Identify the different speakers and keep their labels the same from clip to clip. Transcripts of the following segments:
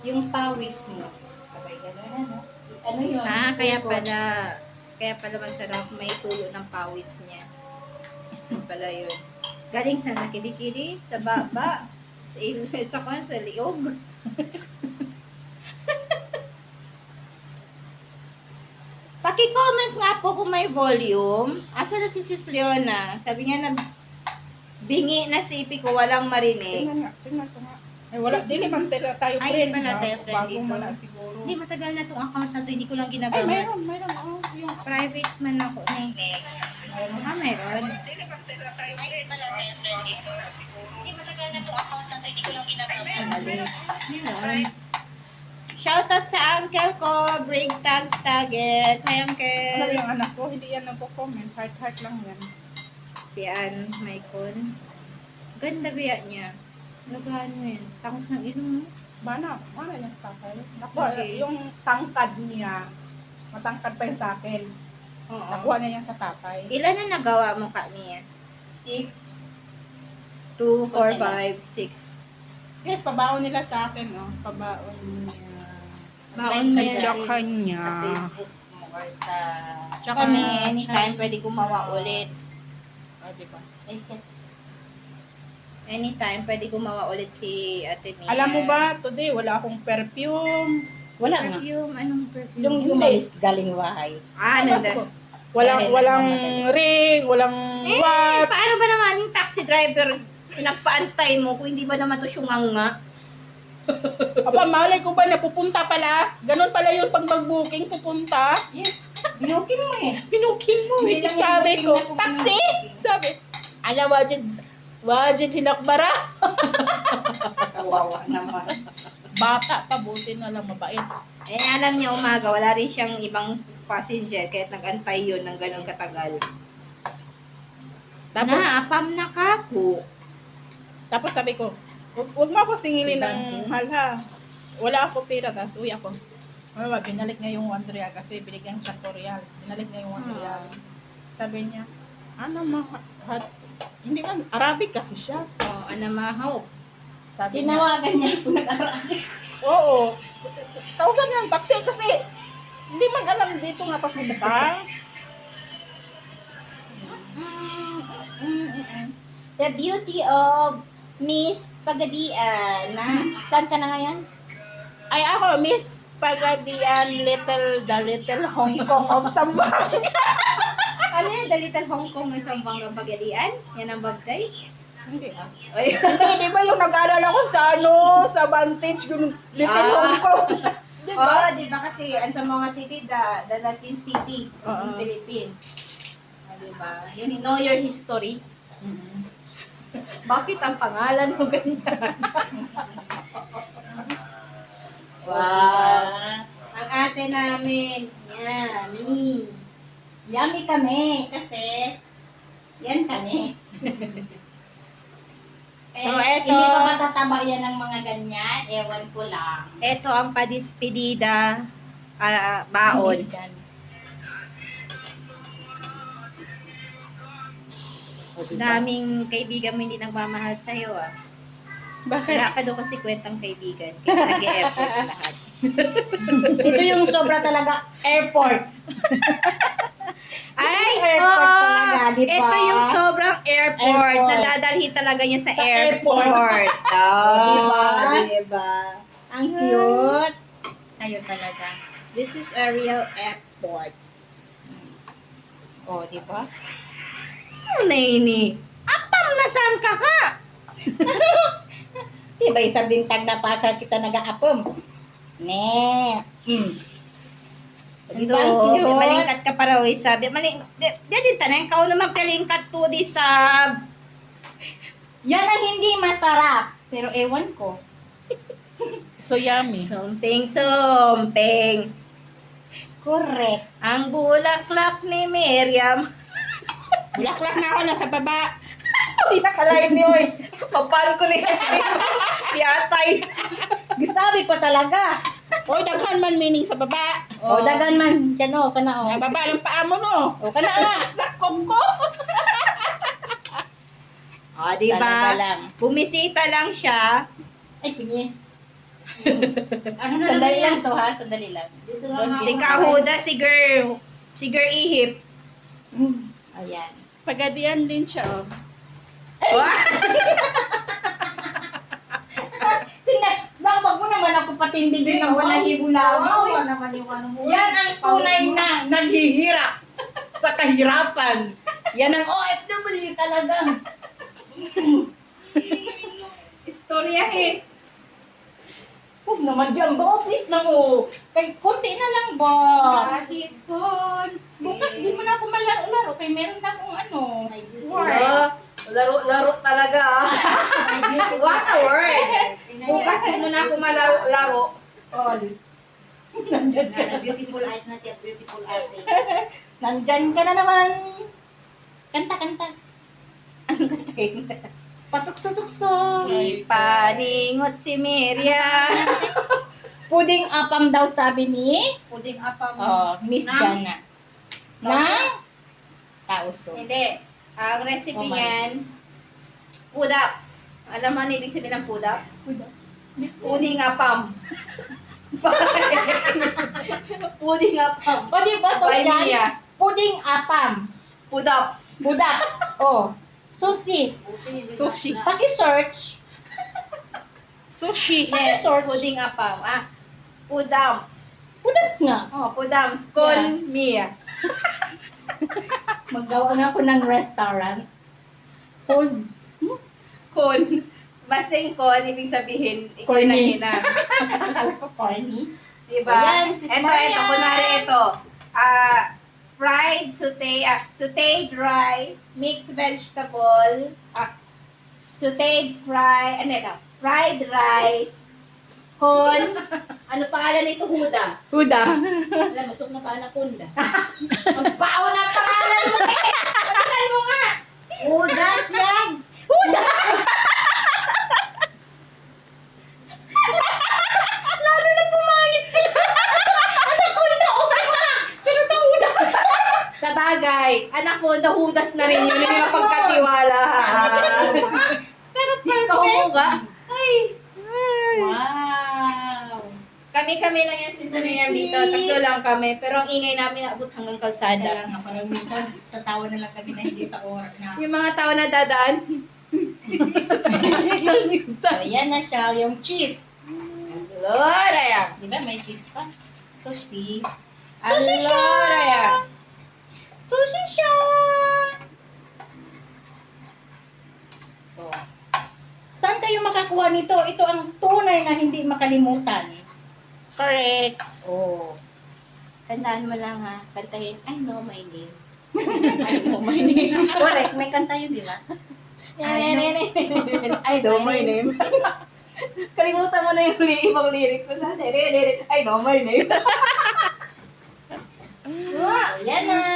Speaker 1: Yung pawis mo. Sabay gano'n, ano? Ano yun?
Speaker 2: Kaya pala masarap may tulo ng pawis niya. Yun pala yun. Galing sa kilikili, sa baba, sa liog. Paki-comment nga po kung may volume. Asa na si Sis Leona? Sabi niya na bingi na si Ipi ko, walang marinig.
Speaker 3: Tingnan ko nga. Ay, wala, dili man tayo
Speaker 2: Ay,
Speaker 3: friend.
Speaker 2: pala tayo friend
Speaker 3: Bago
Speaker 2: dito.
Speaker 3: mo na siguro.
Speaker 2: Hindi, matagal na tong account na to. Hindi ko lang
Speaker 3: Ay,
Speaker 2: ginagamit.
Speaker 3: mayroon. Oh, yung
Speaker 2: Private man ako na
Speaker 3: mayroon.
Speaker 2: meron.
Speaker 3: Dili man tayo friend. Bago mo na siguro.
Speaker 2: Hindi, matagal na tong account na to. Hindi ko lang ginagamit. Meron. Shoutout sa uncle ko, Brig Tags Taget. Hi,
Speaker 3: Ano
Speaker 2: uncle.
Speaker 3: yung anak ko? Hindi yan nagko-comment. Heart lang yan.
Speaker 2: Si Ann Maicon. Ganda biya niya. Nagano yun. Tangos ng ilong.
Speaker 3: Mana yung stakal?
Speaker 2: Okay.
Speaker 3: Yung tangkad niya. Matangkad pa yun sa akin.
Speaker 2: Oo.
Speaker 3: Nakuha niya yan sa tatay.
Speaker 2: Ilan na nagawa mo ka niya?
Speaker 1: 6.
Speaker 2: 2, 4, 5, 6.
Speaker 3: Yes, pabaon nila sa akin, oh. Pabaon niya.
Speaker 2: Baon mo yan.
Speaker 3: Tsaka
Speaker 1: Sa
Speaker 3: niya.
Speaker 1: Facebook mo or sa...
Speaker 3: Tsaka
Speaker 2: Kami, anytime
Speaker 3: Chinese,
Speaker 2: pwede gumawa ulit.
Speaker 3: Oh, diba?
Speaker 1: Ay, shit.
Speaker 2: Anytime pwede gumawa ulit si Ate Mia.
Speaker 3: Alam mo ba, today wala akong perfume.
Speaker 1: Wala nga.
Speaker 2: Perfume? Anong perfume?
Speaker 1: Yung
Speaker 3: Hindi.
Speaker 1: umalis galing bahay.
Speaker 2: ano
Speaker 3: Tapos
Speaker 2: na?
Speaker 3: ko, Walang
Speaker 1: Ay,
Speaker 3: walang
Speaker 1: nagmamadali.
Speaker 3: ring, walang
Speaker 2: Eh,
Speaker 3: what.
Speaker 2: paano ba naman yung taxi driver pinagpaantay mo kung hindi ba naman to syunganga?
Speaker 3: Aba, malay ko ba na pupunta pala? Ganon pala yun pag mag-booking, pupunta.
Speaker 1: Yes. Binukin mo eh.
Speaker 2: Pinukin mo
Speaker 1: Hindi lang yung
Speaker 3: Sabi
Speaker 1: booking
Speaker 3: ko,
Speaker 1: na kung
Speaker 3: taxi?
Speaker 1: booking.
Speaker 3: Sabi, ala, wajid hinakbara.
Speaker 1: Kawawa naman.
Speaker 3: Bata pa, buti na lang mabait.
Speaker 2: Eh, alam niya umaga, wala rin siyang ibang passenger kahit nag-antay yun ng ganun katagal.
Speaker 3: Tapos,
Speaker 2: Naapam na kako.
Speaker 3: tapos sabi ko, wag mo ako singilin
Speaker 1: Diba?
Speaker 3: ng mahal ha. Wala ako pera, tapos uwi ako. Mama, binalik niya yung 1 real kasi binigyan siya 2 real. Binalik niya yung 1 real. Sabi niya, ano hindi man, Arabic kasi siya.
Speaker 2: Oh, anamahaw.
Speaker 3: Sabi niya,
Speaker 1: Tinawagan niya kung nag-aral.
Speaker 3: oo. Tawagan niya ang taxi kasi hindi man alam dito nga papunta.
Speaker 2: The beauty of Miss Pagadian. Saan ka na ngayon?
Speaker 3: Ay ako, Miss Pagadian, the little Hong Kong of Zamboanga.
Speaker 2: Ano yan? The Little Hong Kong ng Zamboanga Pagadian? Yan ang baptize?
Speaker 3: Hindi ah.
Speaker 2: Ay.
Speaker 3: Hindi, di ba yung nag-aaral ako sa Vantage, yung little Hong Kong. Di
Speaker 2: Oh,
Speaker 3: ba?
Speaker 2: di ba kasi ang Zamboanga City, the Latin city
Speaker 3: Oo.
Speaker 2: ng Philippines. Oh, di ba? You know your history.
Speaker 3: Mm-mm.
Speaker 2: Bakit ang pangalan mo ganyan? Wow. Ang ate namin, yummy.
Speaker 1: Yummy kami kasi yan kami.
Speaker 2: So, eto.
Speaker 1: Hindi pa matataba yan ng mga ganyan. Ewan ko lang.
Speaker 2: Ito ang padispedida baon. Daming kaibigan mo hindi nagmamahal sa'yo ah.
Speaker 3: Bakit?
Speaker 2: Wala ka daw kasi kwentang kaibigan. Kaya nag-e-effort lahat.
Speaker 1: Ito yung sobra talaga airport.
Speaker 2: Ay,
Speaker 1: airport talaga, di ba?
Speaker 2: Ito yung sobrang airport.
Speaker 1: Airport.
Speaker 2: Nadadalhin talaga niya sa,
Speaker 1: Sa
Speaker 2: airport.
Speaker 1: Diba?
Speaker 2: Diba?
Speaker 1: Ang cute.
Speaker 2: Ayun talaga. This is a real airport.
Speaker 1: Oh, di ba?
Speaker 2: Ano na ini? Apam na saan ka ka?
Speaker 1: Diba isang bintag na pasal kita nag-aapom? Ne.
Speaker 2: Ito,
Speaker 1: Diba ang cute?
Speaker 2: malingkat ka para uy sabi. Din tanay, ikaw naman palingkat to di sab.
Speaker 1: Yan ang hindi masarap. Pero ewan ko.
Speaker 3: So yummy.
Speaker 2: Sumping.
Speaker 1: Correct.
Speaker 2: Ang bulaklak ni Miriam.
Speaker 3: Bulaklak na ako, nasa baba.
Speaker 2: Hindi na kalain ni Oy. Papan ko ni Piyatay.
Speaker 1: Gustabi pa talaga.
Speaker 3: Oy, daghan man meaning sa baba.
Speaker 1: O, dagan man. Diyan o, kana o.
Speaker 3: Sa baba ng paa mo, no?
Speaker 1: O, kana nga.
Speaker 3: Sakop ko.
Speaker 2: O, di
Speaker 1: Talaga
Speaker 2: ba?
Speaker 1: lang.
Speaker 2: Bumisita lang siya.
Speaker 1: Ay, pinye. Ano na sandali lang to ha, sandali lang.
Speaker 4: Dito lang
Speaker 2: Si
Speaker 4: ako.
Speaker 2: Kahuda, si Girl Ihip.
Speaker 1: Ayan.
Speaker 3: Pagadian din siya, oh.
Speaker 1: Tingnan, wag mo naman ako patindigin ng walang hibulawi.
Speaker 4: Kawawa naman yung ano mo.
Speaker 1: Yan ang tunay na naghihirap sa kahirapan. Yan ang OFW talaga.
Speaker 2: Istorya eh.
Speaker 1: Huwag naman dyan ba? Please lang oh. Kay konti na lang ba?
Speaker 2: Kahit kon.
Speaker 1: Bukas di mo na ako malaro-laro kay meron na akong ano.
Speaker 2: Laro talaga ah. What a word. Bukas di mo na ako malaro-laro.
Speaker 1: All. Nandyan ka na.
Speaker 4: Beautiful eyes na siya, beautiful ate.
Speaker 1: Nandyan ka na naman. Kanta.
Speaker 2: Anong kantahin?
Speaker 1: Patukso-tukso.
Speaker 2: Ipaningot si Miriam.
Speaker 1: Puding apam daw sabi ni
Speaker 4: Puding apam.
Speaker 1: Miss
Speaker 4: Nang-
Speaker 1: Jana. Ng tauso.
Speaker 2: Hindi. Ang recipe
Speaker 1: Oh, my.
Speaker 2: niyan, pudaps. Alam mo ano ibig sabihin ng pudaps? Puding apam. Puding apam.
Speaker 1: O di ba so yan?
Speaker 2: Vainilla.
Speaker 1: Puding apam.
Speaker 2: Pudaps.
Speaker 1: Budaps. Oh. Susi.
Speaker 3: Sushi.
Speaker 1: Paki-search.
Speaker 3: Sushi.
Speaker 2: Yes,
Speaker 1: Paki-search.
Speaker 2: puding apam. Pudams.
Speaker 1: Budaps nga.
Speaker 2: Oh, pudams. Con Mia.
Speaker 1: Maggawa na ako ng restaurants. Hold.
Speaker 2: Con. Basta yung con, ibig sabihin, ikaw
Speaker 1: Corny.
Speaker 2: na hina.
Speaker 1: Akala ko corny.
Speaker 2: Diba?
Speaker 1: Ayan, sis
Speaker 2: Ito,
Speaker 1: Maria.
Speaker 2: kunwari ito. Fried sauteed rice, mixed vegetable, fried rice, con, ano pangalan nito, Huda?
Speaker 1: Huda.
Speaker 2: Alam, masuk na pa Anaconda. Ang bao na pangalan mo eh! Pagkakan mo nga!
Speaker 4: Udas yan.
Speaker 1: Lalo na pumangit ka. Anak ko na okay na. Pero sa hudas.
Speaker 2: Sa bagay, Anaconda, Hudas na rin yun. Hindi mapagkatiwala.
Speaker 1: Pero
Speaker 2: Ikaw mo ba?
Speaker 1: Ay. Wow.
Speaker 2: Kami lang yan si Miriam dito. Tatlo lang kami. Pero ang ingay namin naabot hanggang kalsada.
Speaker 1: Kaya nga, parang minsan sa tawa na lang kami na hindi sa oras na.
Speaker 2: Yung mga tao na dadaan.
Speaker 1: So, yan na siya, yung cheese.
Speaker 2: Lord, ayan.
Speaker 1: Di ba may cheese pa? Sushi.
Speaker 2: Lord, ayan.
Speaker 1: Sushi siya! Oh. Saan kayo makakuha nito? Ito ang tunay na hindi makalimutan.
Speaker 3: Correct.
Speaker 1: Oh.
Speaker 2: Tandaan mo lang ha. Kantahin, I know my name. I know my name.
Speaker 1: Correct, may kanta yun, di ba?
Speaker 2: I know my name. Kalimutan mo na yung ibang lyrics mo sa I know my name.
Speaker 1: So, yan na!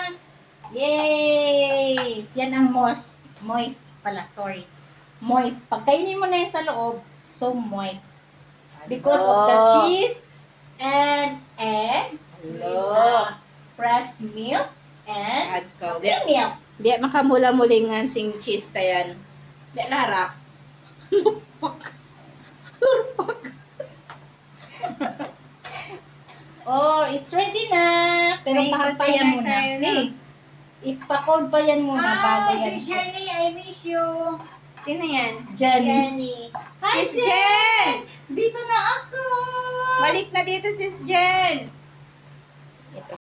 Speaker 1: Yay! Yan ang moist pala, sorry. Moist. Pagkainin mo na yan sa loob, so moist. Because of the
Speaker 2: Hello.
Speaker 1: cheese and egg, with
Speaker 2: Hello.
Speaker 1: fresh milk, and
Speaker 2: Ad ka.
Speaker 1: cream milk.
Speaker 2: Di makamula-mulingan sing cheese tayan. Di larak.
Speaker 1: Oh, it's ready na. Pero
Speaker 2: May
Speaker 1: pahampayan
Speaker 2: container
Speaker 1: muna.
Speaker 2: tayo na.
Speaker 1: Hey, ipa-cold pa yan muna bago
Speaker 4: Hi,
Speaker 1: yan.
Speaker 4: Jenny, I miss you.
Speaker 2: Sino yan?
Speaker 1: Jenny.
Speaker 4: Jenny.
Speaker 1: Hi,
Speaker 2: Sis Jen!
Speaker 1: Dito na ako!
Speaker 2: Balik na dito, Sis Jen!